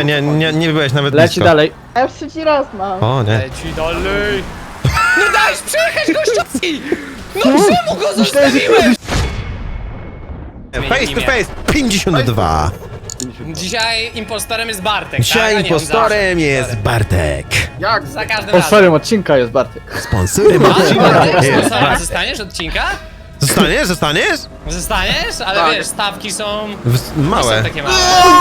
Nie byłeś nawet Leci blisko. dalej. A już trzeci raz mam. O nie. Leci dalej. No dajesz przejechać gościowi! No czemu go zostawiłeś? Face to face 52. Dzisiaj impostorem jest Bartek, Dzisiaj tak? A nie, on impostorem zawsze. jest Bartek. Jak? Za każdym razem. Sponsorem odcinka jest Bartek. Sponsorem A, odcinka Bartek, jest sponsorem Bartek. zostaniesz odcinka? Zostaniesz? Zostaniesz? Zostaniesz? Ale Tak. wiesz, stawki są... Małe. Są takie małe.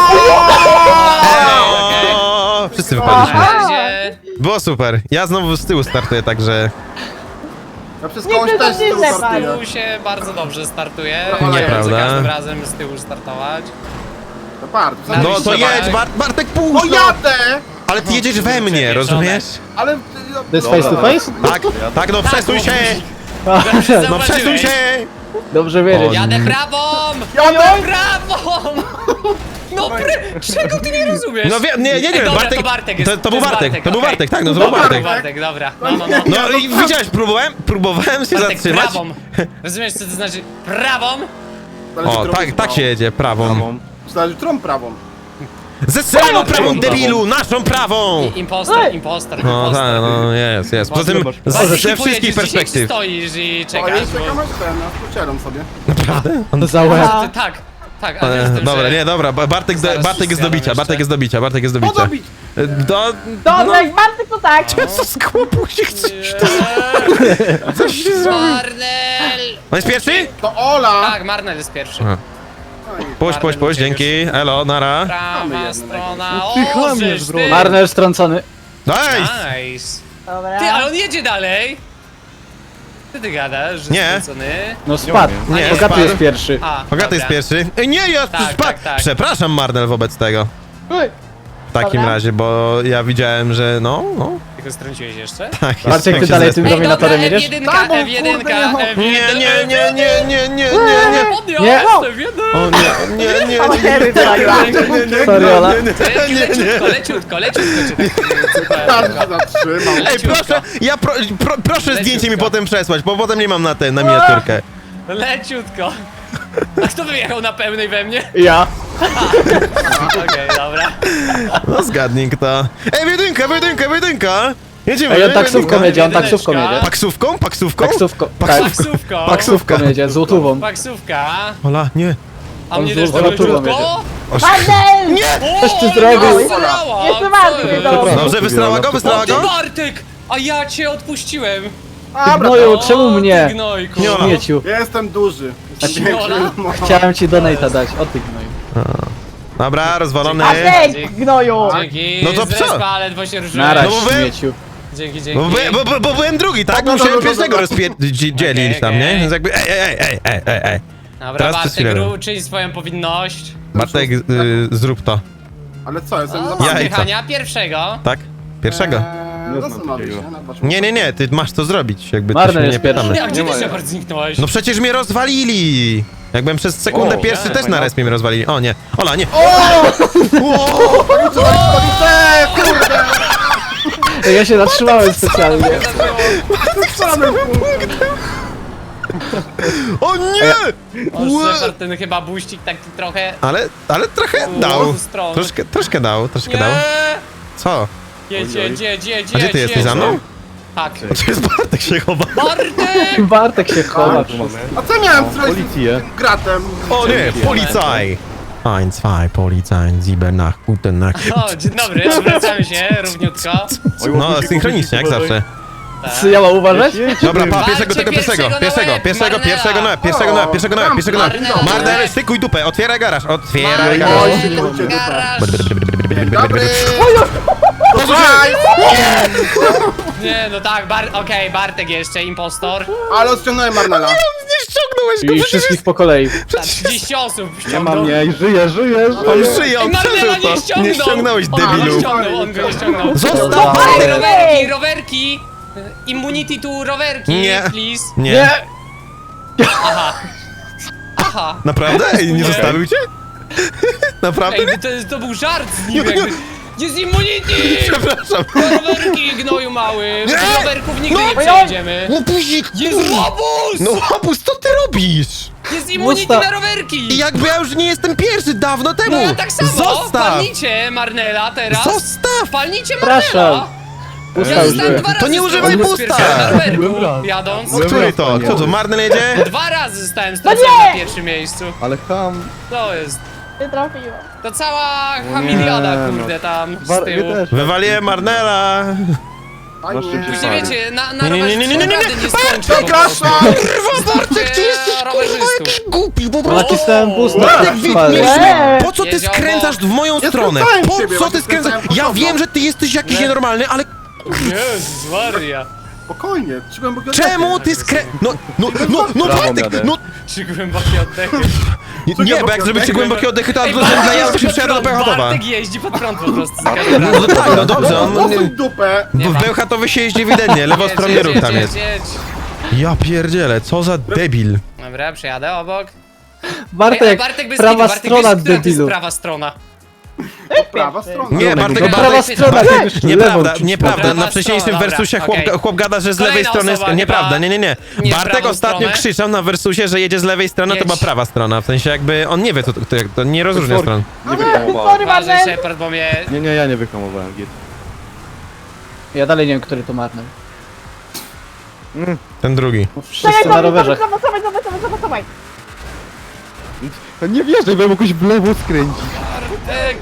O, wszyscy Na wypadliśmy. razie... Było super. Ja znowu z tyłu startuję, także... Ja przez Nie, kogoś to też z tyłu źle, startuję. Tu się bardzo dobrze startuje. Nieprawda. Za każdym razem z tyłu startować. To bardzo. No to Zobacz. jedź, Bartek, No puść! No. jadę! Ale ty jedziesz we mnie, rozumiesz? Ale... To jest face to face? Tak, no przesuń się! No przesuń się! Dobrze wiedzieć. Jadę prawą! Jadę! Prawą! No czego ty nie rozumiesz? No nie wiem, Dobra, Bartek... to Bartek jest. To był jest Bartek, to był okej. Bartek, tak, no to był Bartek. Bartek, dobra. No. No i widziałeś, próbowałem się Bartek, zatrzymać. prawą. Rozumiesz, co to znaczy prawą? O, tak się jedzie, prawą. Zależy którą prawą. Ze swoją prawą, debilu, naszą prawą! Impostor. No tak, no jest. Poza tym ze wszystkich perspektyw. Stoisz i O, czekasz, jest czekam aż ten, aż pocieram sobie. Naprawdę? Za łeb. Tak, ale wiesz, tym, Dobra, że- nie, dobra, Bartek Zaraz jest do wszystko bicia, jadą Bartek jest do bicia, Bartek jest do bicia. Podobić! Dobra, jak Bartek to tak. Co z chłopu się chcesz? Nie. Coś się zrobił. Marnel! On jest pierwszy? To Ola! Tak, Marnel jest pierwszy. Aha. Puść, dzięki, elo, nara. Prawa strona, Ty o, chłamiesz, żeż bro. ty. Marner strącony. Daj! Nice. Dobra. Ty, ale on jedzie dalej. Ty gadasz, że Nie. skrócony. No spadł. Nie, Bogaty spadł. jest pierwszy. A, Bogaty jest dobra. pierwszy. Nie, ja Tak. Przepraszam, Marnel, wobec tego. Uj. W takim Dobra. razie, bo ja widziałem, że no. Ty go strąciłeś jeszcze? Tak, Bartek, tak ty się dalej zespół. tym dominatorem dobra, jedziesz? F1, Tak, bo F1, kurde, no. F1. Nie. Podniosł, Nie. F1. O nie. O, Harry zagrał. Sorry, Ola. Leciutko cię tak. Każdy się zatrzymał. Ej, proszę, proszę zdjęcie mi potem przesłać, bo potem nie mam na miniaturkę. Leciutko. A kto wyjechał na pełnej we mnie? Ja. Okej, dobra. No zgadnij kto. Ej, jedynka! Jedziemy, Ej, on taksówką jedynka. jedzie, on taksówką Jedyneczka. jedzie. Paksówką? Taksówką. Tak. Taksówką. Taksówką jedzie, złotówą. Taksówka. Ola, nie. A mnie On też z to Lotówą leciutko? Bartek! Nie! Coś ty zrobił. Jeszcze Bartek do Dobrze, wystrała go? O ty Bartek! A ja cię odpuściłem! Dobra, Gnoju, czemu O, mnie? Ty gnojku. Nie, Ola. Śmieciu. ja jestem duży. Jestem Ola? większy. No. Chciałem ci donate'a dać, o ty gnoju. Dobra, rozwalony. Bartek, gnoju. Dzięki, No to z co? respa, ledwo się ruszyłem. Naraz, No bo wy- śmieciu. Dzięki. Bo byłem drugi, tak? Dobra, Musiałem dobra, pierwszego dobra. dzielić tam, nie? Okej. Więc jakby ej. Dobra, Teraz to Bartek, chwilę. czyń swoją powinność. Bartek, zrób to. Ale co, jestem O, za Jajca. Spychania pierwszego. Tak? Pierwszego. Zastanowię się. na dwa czwórki. Nie, ty masz to zrobić, jakby Marny to się nie jest pierwszy. pytamy. Ja, gdzie ty Shepard zniknąłeś? No przecież mnie rozwalili! Jakbym przez sekundę pierwszy też na respie mnie rozwalili. O nie, Ola, nie. Kurde! Ej, ja się zatrzymałem specjalnie. O nie! O, Shepard, ten chyba buścik taki trochę... Ale trochę dał. Strony. Troszkę dał. Nie! Co? Jedź. A gdzie ty jesteś za mną? Tak. O, to jest Bartek się chowa. Bartek! Bartek się chowa. A co miałem zrobić z tym gratem? O nie, Polizei! 1, 2, Polizei, 7 nach, guten Nacht. O, dzień dobry, odwracamy się równiutko. No, synchronicznie, jak zawsze. Co ja mam uważać? Dobra, pa, Walcie pierwszego na łeb. Marnel, stykuj dupę, otwieraj garaż, otwieraj garaż. Oj, szykujcie dupę. Garaż. Dobry! Nie, no tak, okej, Bartek jeszcze, impostor. Ale odciągnąłem Marnela. Nie ściągnąłeś go, I wszystkich po kolei. Tak, 30 osób Nie ściągnął. mam nie, żyję. on żyje, on Marnela przeżył nie to. ściągnął! Nie ściągnąłeś, debilu. On go nie ściągnął. Zostaw Ej, Bartek! rowerki! Immunity to rowerki, Nie. please. Nie, Aha. naprawdę? Ej, nie zostawił cię? Naprawdę? Ej, to był żart z nim jakby. Jest immunity! Przepraszam. Rowerki, gnoju mały! Nie. Bez rowerków nigdy nie No. przejdziemy! Łobuzik! Jest łobuz! No łobuz, co ty robisz? Jest immunity Usta- na rowerki! I jakby ja już nie jestem pierwszy, dawno temu! No ja tak samo! Zostaw! Palnicie Marnela teraz! Zostaw! Palnicie Przepraszam. Marnela! Ja Pusta zostałem już. 2 razy To nie używaj strącony z pusta. pierwszego na rowerku, Byłem raz. jadąc. Który to? Kto to? Marnel jedzie? 2 razy zostałem strącony na pierwszym miejscu. Ale ham. To jest... Nie trafiłem. To cała hamiliada, no. kurde, tam z Wy tyłu. też. Wywaliłem Marnela! A Na szczycie nie. Później wiecie, na Nie, nie, rowerze nie, nie, nie, nie, naprawdę nie skończy po prostu. Kurwa, Bartek, ty jesteś kurwa rowerzystów. jakiś głupi, po No prostu! nacisnąłem pusta. Bartek, Eee. po co ty Jedział skręcasz w moją Ja stronę? skręcałem Po ciebie, co ty właśnie skręcasz? skręcałem Ja podobno. wiem, że ty jesteś jakiś nienormalny, ale Jezus Maria. Spokojnie, trzymam go czemu ty no Brawo, Bartek, Miadę. no... 3 głębokie oddechy. Nie, bo jak zrobicie głębokie oddechy, to dla ja się przyjadę do Bełchatowa. Bartek jeździ pod prąd po prostu za każdym No razem. tak, no dobrze, on... Dosuń dupę. Bo w Bełchatowie się jeździ ewidentnie, lewostronny ruch tam jest. Jedź. Ja pierdzielę, co za debil. Dobra, przejadę obok. Bartek, Bartek bez prawa kitu, Bartek strona wiesz, która to jest debilu. prawa strona. Prawa strona. Nie, Bartek, No prawa Bartek, strona, Bartek, ty już nieprawda, lewą nieprawda, Prawa na wcześniejszym strona, wersusie dobra, okej. chłop gada, że z lewej Kolejna strony jest... osoba Nieprawda, chyba nie. nie w Bartek prawą ostatnio stronę. krzyczał na wersusie, że jedzie z lewej strony, to Jedź. była prawa strona, w sensie jakby on nie wie, to nie rozróżnia stron. Nie wyhamowałem. Sorry, Uważaj, Marnel. Shepard, bo mnie... Nie, ja nie wyhamowałem, git. Ja dalej nie wiem, który to Marnel. Ten drugi. Wszyscy na rowerze. Zobacz. Nie wierzę, bo ja jakoś w lewo skręcić. Bartek!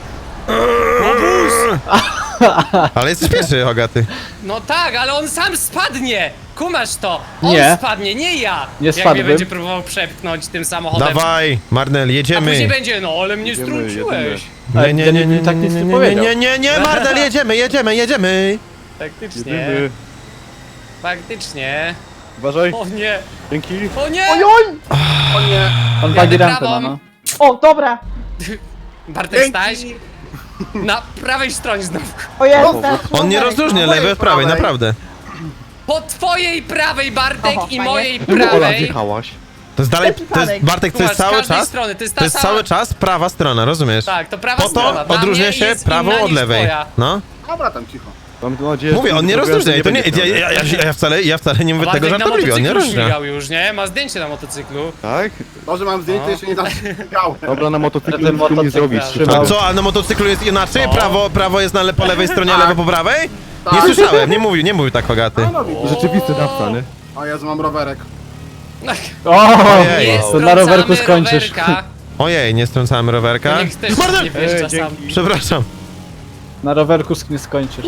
Ale jesteś pierwszy, Hogaty. No tak, ale on sam spadnie! Kumasz to! On Nie. spadnie, nie ja! Nie Jak mnie spadłbym. będzie próbował przepchnąć tym samochodem. Dawaj, Marnel, A później jedziemy. będzie, no ale mnie Jedziemy, strąciłeś. Tak nic nie powiedział. nie, Marnel, jedziemy. Faktycznie. Jedyny. Faktycznie. Uważaj. O nie! Dzięki. O nie! Ojoj. O nie. On Jadę wagi rampę prawą. ma, no. O, dobra. Bartek Staś na prawej stronie znowu. O Jezu. On nie rozróżnia lewej od prawej, naprawdę. Po twojej prawej, Bartek, Oho, i fajnie. mojej Czemu Ola prawej. wjechałaś? To jest dalej, to jest, Przypadek. Bartek, to Kumasz, jest z cały każdej czas, strony, to jest ta to jest sama... cały czas prawa strona, rozumiesz? Tak, to prawa Po strona. to Dla odróżnia mnie się jest prawą inna od niż lewej. twoja. No, Dobra, tam cicho. Mam nadzieję, mówię, że on nie zrobiłem, rozróżnia, że i to nie, będzie miał. ja wcale nie mówię tego Bartek na żartobliwie, on nie motocyklu rozróżnia. śmigał już, nie? Ma zdjęcie na motocyklu. Tak? To, że mam zdjęcie, jeszcze nie zaśmiałem. Dobra, na motocyklu Ten nic tu nie motocykl zrobisz. trzymał. A co, a na motocyklu jest inaczej? Prawo jest po lewej stronie, a Tak. lewo po prawej? Nie Tak. słyszałem, nie mówił tak, Hogaty. No, widzisz. Rzeczywisty dawca, nie? O Jezu, mam rowerek. O! Ojej. Nie To na rowerku strącamy skończysz. rowerka. Ojej, nie strącałem rowerka. Niech też nie wjeżdża sam. Przepraszam. Na rowerku nie skończysz.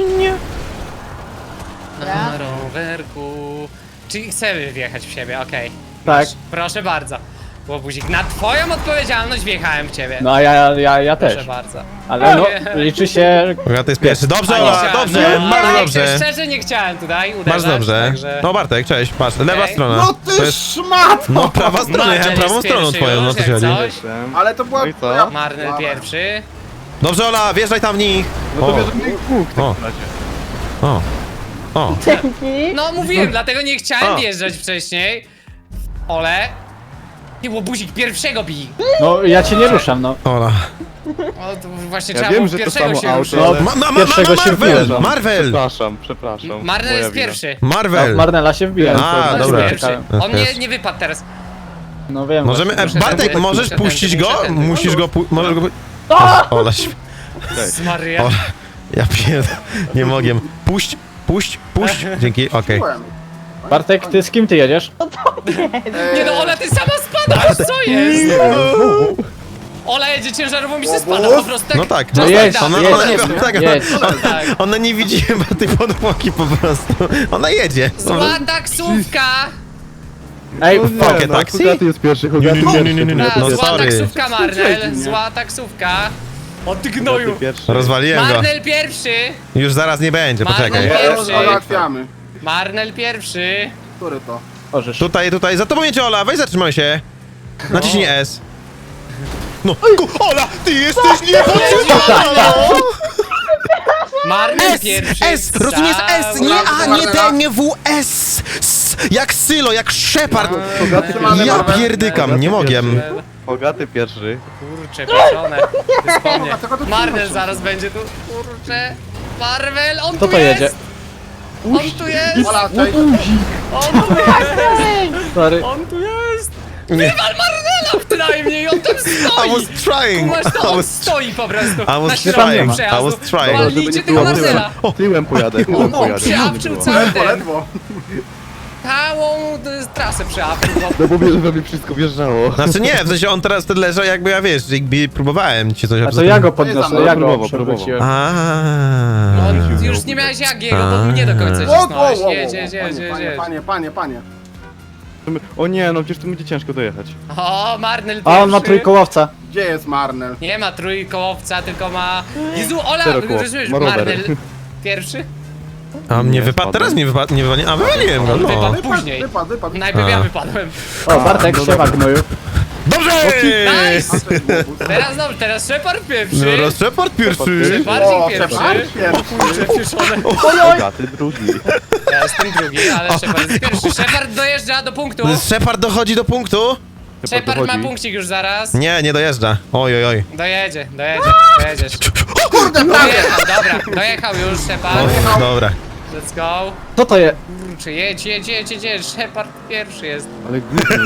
Na rowerku. Czyli chcemy wjechać w siebie, okej. Tak. Proszę bardzo. Łobuzik, na twoją odpowiedzialność wjechałem w ciebie. No a ja Proszę też. bardzo. Ale no, liczy się... Hogaty jest pierwszy. Dobrze, A nie Ola, chciałem. dobrze, No, bardzo ale dobrze. Szczerze nie chciałem tutaj uderzać. Masz dobrze. Także... No Bartek, cześć, patrz, lewa Okej. strona. No To ty jest, szmat! no prawa strona, Marnel jechałem prawą jest stroną pierwszy twoją, no już, to się jak chodzi. coś. Jestem. Ale to była... No i co? Marnel pierwszy. Dobrze, Ola, wjeżdżaj tam w nich. No to O, bierze mnie Bóg w O. takim razie. o. Dzięki. No mówiłem, dlatego nie chciałem A. wjeżdżać wcześniej. Ole. Nie, łobuzik pierwszego bij. No ja cię nie ruszam, no. Ola. O, to właśnie Ja trzeba wiem, było że to pierwszego samo się auto, ruszyć. ale- Pierwszego się Marvel, wbijam. Marvel, Przepraszam. Marnel Moja jest wina. pierwszy. Marvel. Marnela się wbija. A, Marnel dobra. jest pierwszy. Jest On pierwszy. nie wypadł teraz. No wiem. Możemy, właśnie. Bartek, tędy, możesz muszę puścić tędy, go? muszę tędy. Musisz go, możesz go... Ola, Z Maria. Ola, ja pierd... nie mogę. Puść. Dzięki, okej. Byłem. Bartek, ty z kim ty jedziesz? Nie no, Ola, ty sama spadasz, co jest? Ola jedzie ciężarową i się spada po prostu tak. No tak, No no jedź, tak, ona, jedź, ona, jedź, tak, jedź. Tak. ona nie widzi chyba tej podłogi po prostu. Ona jedzie. Zła taksówka! Ej, Takie taksi? Hogaty jest pierwszy, Hogaty pierwszy. Ta, No zła sorry. taksówka, Marnel. Zła taksówka. O ty gnoju! Hogaty pierwszy. Rozwaliłem go. Marnel pierwszy! Już zaraz nie będzie, Marnel poczekaj. pierwszy. Załatwiamy. Marnel pierwszy! Który to? możesz. Tutaj, za tobą jedzie Ola, weź zatrzymaj się. Naciśnij S. No, Ola, ty jesteś niepotrzebna! Marnel S, pierwszy! S, rozumiesz S, nie A, nie D, nie W, S. S, jak Sylo, jak Shepard. Zatrzymany Ja Marvel. pierdykam, nie mogę. Hogaty pierwszy. Kurczę, pieczone. To jest po mnie. A czego tu Marnel trzymasz? zaraz będzie tu. Kurczę. Marvel, on Kto tu to jest! jedzie? On tu jest! Ola, cześć. On tu jest! Sorry. On tu jest! Wywal Marnela przynajmniej, on tam I stoi! was trying! Masz to, I on was stoi po prostu I was na środku trying, I przejazdu. was trying. Walnijcie tego Marnela! Tyłem pojadę, tyłem pojadę. Przeawczył No cały Ledwo, ten, ledwo. całą trasę przeawczył. bo- bo wiesz, że mi wszystko wjeżdżało. Znaczy nie, w sensie on teraz ten leżał jakby ja wiesz, jakby próbowałem ci coś A to ja go podniosę, Próbował, ja go próbował. przewróciłem. No, już nie miałeś jak jego, bo mnie do końca Wow, cisnąłeś. wow, wow, Jedź, wow. jedź, jedź, jedź, jedź. Panie. O nie, no przecież tu będzie ciężko dojechać. O, Marnel A on ma pierwszy. trójkołowca. Gdzie jest Marnel? Nie ma trójkołowca, tylko ma... Jezu, Ola, Czterokoło. rozumiesz, Ma rower. Marnel pierwszy? A mnie Nie, wypadł, spadłem. teraz nie wypadł, a wywaliłem go, On no. wypadł później. Wypadł. Najpierw ja A. wypadłem. O, Bartek, siema gnoju. Dobrze! Nice! Teraz dobrze, teraz Shepard pierwszy. No, Shepard pierwszy! Shepardzik O, pierwszy. Shepard Kurczę, pieszone. Bogaty drugi. Ja jestem drugi, ale Shepard jest pierwszy. Shepard dojeżdża do punktu. Shepard dochodzi do punktu? Shepard ma dochodzi. punkcik już zaraz. Nie dojeżdża. Oj, oj. Dojedziesz. Kurde, prawie! Dojechał, dobra, dojechał już Shepard. O, dobra. Let's go. Co to jest? Kurczę, jedź. Shepard pierwszy jest. Ale głupi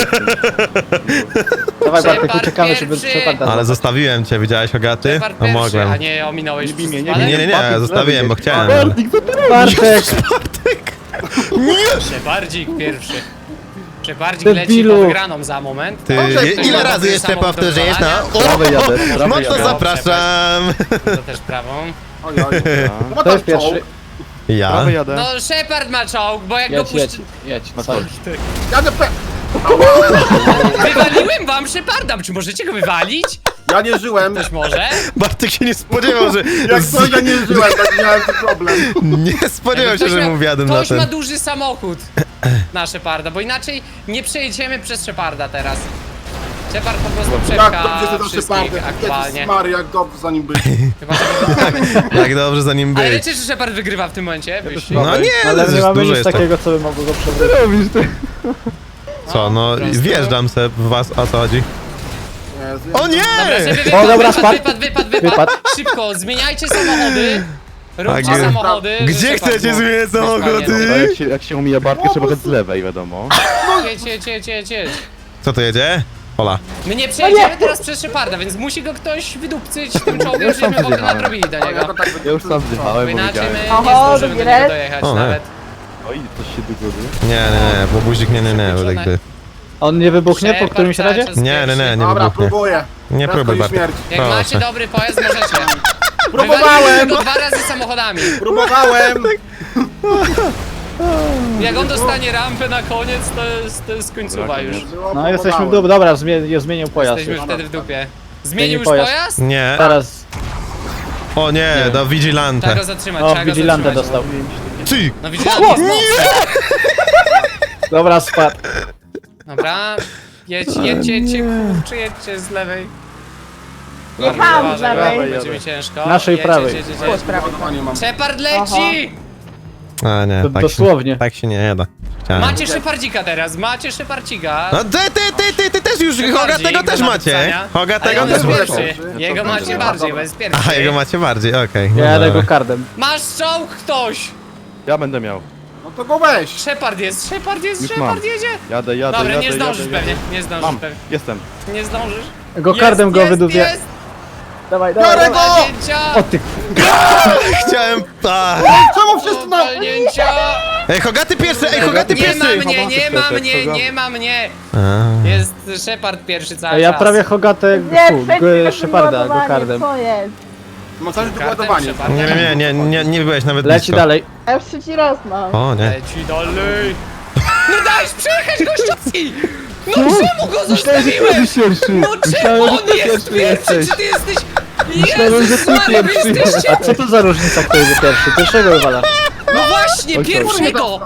Dawaj Bartek, Shepard uciekamy, żeby pierwszy. Shepard Ale zostawiłem cię, widziałeś Hogaty? Shepard No pierwszy, mogłem. a nie ominąłeś Nie bij mnie, nie ale- Nie, zostawiłem, bo chciałem. Bartik, co ty robisz? Bartek! Shepardzik pierwszy. Shepardzik Debilu. leci po wygraną za moment. Ty, Dobrze, ile to razy jest jeszcze samo powtórzysz, no? Prawy jadę, prawy Mocno jadę. zapraszam! To też prawą. Oj. No To jest pierwszy. Ja? Prawy jadę. No Shepard ma czołg, bo jak go Jedź, jedź, puści... jedź. Jadę Wywaliłem wam Sheparda, czy możecie go wywalić? Ja nie żyłem. Ktoś może? Bartek się nie spodziewał, że... Jak coś ja nie żyłem, tak miałem ten problem. Nie spodziewał się, że mu wjadę na Ktoś ma ten. duży samochód na Sheparda, bo inaczej nie przejedziemy przez Sheparda teraz. Shepard po prostu Jak przepcha dobrze ty zawsze wszystkich party. aktualnie. Mary, jak dobrze za nim być. Chyba, że Jak dobrze za nim Ale być. wiecie, że Shepard wygrywa w tym momencie? Wyścig? No nie, Ale nie ale mamy dużo nic jest to. takiego, co by mogło go przewrócić. Robisz ty. Co, no po prostu. wjeżdżam se w was, o co chodzi? Jezu. O nie! Dobra, żeby O, dobra, wypadł. Wypadł. Szybko, zmieniajcie samochody. Róbcie gdzie- samochody. Gdzie że Shepard chcecie mógł zmieniać mieć fajnie. samochody? Jak się umija Bartki, trzeba jechać z lewej, wiadomo. Jedź. Co to jedzie? Ola. My nie przejedziemy teraz przez Sheparda, więc musi go ktoś wydupcyć tym czołgiem, żebyśmy w ogóle nadrobili do Ja niego. to tak Ja już sam Bo zjechałem, bo inaczej wiedziałem. my nie Oho, zdążymy do drugi niego raz. dojechać O, nawet. Oj, coś się dogodzi. Nie, bo buzik nie, bo Przekroczone. jakby... On nie wybuchnie po Shepard którymś cały razie? czas Nie, pierwszy. nie Dobra, wybuchnie. próbuję. Nie Prędko próbuj, i Bartek. śmierć. Jak macie Proszę. dobry pojazd, możecie. Próbowałem! Wywaliliśmy go 2 razy samochodami. Próbowałem! Jak on dostanie rampę na koniec, to jest końcowa już. No jesteśmy w dół, dobra, zmienił pojazd. Jesteśmy wtedy w dupie. Zmienił Zmienił już pojazd. pojazd? Nie. Teraz, O nie, do Trzeba Vigilante. go zatrzymać, o, trzeba go Vigilante zatrzymać. dostał. Ty! No Vigilante jest mocny. Dobra, spadł. Dobra, jedźcie, kurczę, jedźcie z lewej. Jechałam z Uważaj, lewej. Będzie mi ciężko. Naszej Jedź, prawej. jedź. Ładowanie mam. Shepard leci! A nie, To tak dosłownie. Się, tak się nie da. Chciałem. Macie Shepardzika teraz, macie Shepardzika. No ty też już, Shepardzik Hogatego do też macie. napisania. Hogatego Ale też on jest macie. pierwszy. Jego macie bardziej, bo jest pierwszy. Aha, jego macie bardziej, okej. Ja jadę dobra. go kardem. Masz czołg ktoś! Ja będę miał. No to go weź! Shepard jest, Już mam. Shepard jedzie! Jadę. Dobra, nie zdążysz pewnie, nie zdążysz Mam, pewnie. jestem. Nie zdążysz. Go kardem go wydupię. Jest! Dawaj, Biorę go! Walnięcia! O ty, Chciałem... A. Czemu wszyscy na... Walnięcia! Ej, Hogaty pierwszy, ej, Hogaty Nie ma pierwszy! mnie, nie ma Shepard, mnie, co za- nie ma mnie! A. Jest Shepard pierwszy cały a ja czas. prawie Hogatę, Nie, Sheparda, go kardem. Co jest? Mam coś do Kardem ładowania. Sheparda. Nie byłeś nawet Leci blisko. dalej. Ja już trzeci raz mam. O nie. Leci dalej! No dajesz przejechać gościowi! No czemu go zostawiłem? No czemu on jest pierwszy? Czy ty jesteś... Jezus Maria, wy jesteście... A co to za różnica, kto jest pierwszy? Pierwszego wywala. No właśnie, Oj, pierwszego!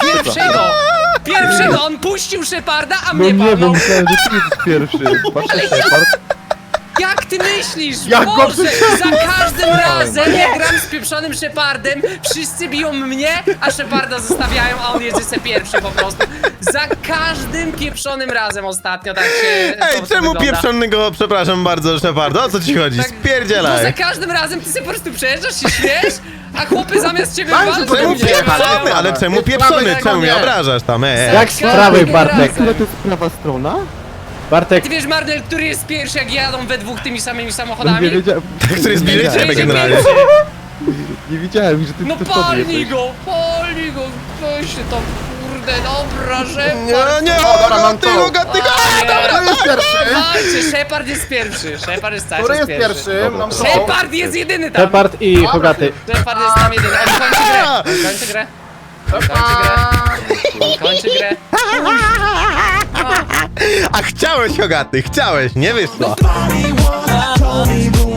Pierwszego! On puścił Sheparda, a No mnie nie, bo walnął. myślałem, że ty jesteś pierwszy. Patrzcie, Shepard. Jak ty myślisz? Jak go Boże, za każdym razem jak gram z pieprzonym Shepardem, wszyscy biją mnie, a Sheparda zostawiają, a on jedzie se pierwszy po prostu. Za każdym pieprzonym razem ostatnio tak się Ej, to czemu wygląda. pieprzonego, przepraszam bardzo, Szepardo? O co ci chodzi? Tak, Bo za Spierdzielaj! każdym razem ty sobie po prostu przejeżdżasz, się śmiesz, a chłopy zamiast ciebie Daj, walczą, że Czemu Nie, pieprzony? Ale czemu jest pieprzony? prawy, Czemu mnie nie. obrażasz tam? Jak z prawej, Bartek? razem. Która to jest prawa strona? Bartek, Ty wiesz, Marnel, który jest pierwszy, jak jadą we dwóch tymi samymi Nie samochodami? wiedziałem, Który jest bliżej Jedzie ciebie generalnie. pierwszy. nie widziałem, że ty No ty sobie palnij jesteś. go, weź się to, kurde, dobra, Nie, Shepard. nie, dobra, mam Hogaty, to. Hogaty, Kto jest pierwszy? Walczy, Shepard jest pierwszy, Shepard jest cały Który czas jest pierwszy? Dobra, Mam dobra. to. Shepard jest jedyny tam. Shepard i Hogaty. Shepard jest tam jedyny, on kończy grę, on kończy grę. On kończy grę. On kończy grę. A chciałeś, Hogaty, chciałeś, nie wyszło. Told me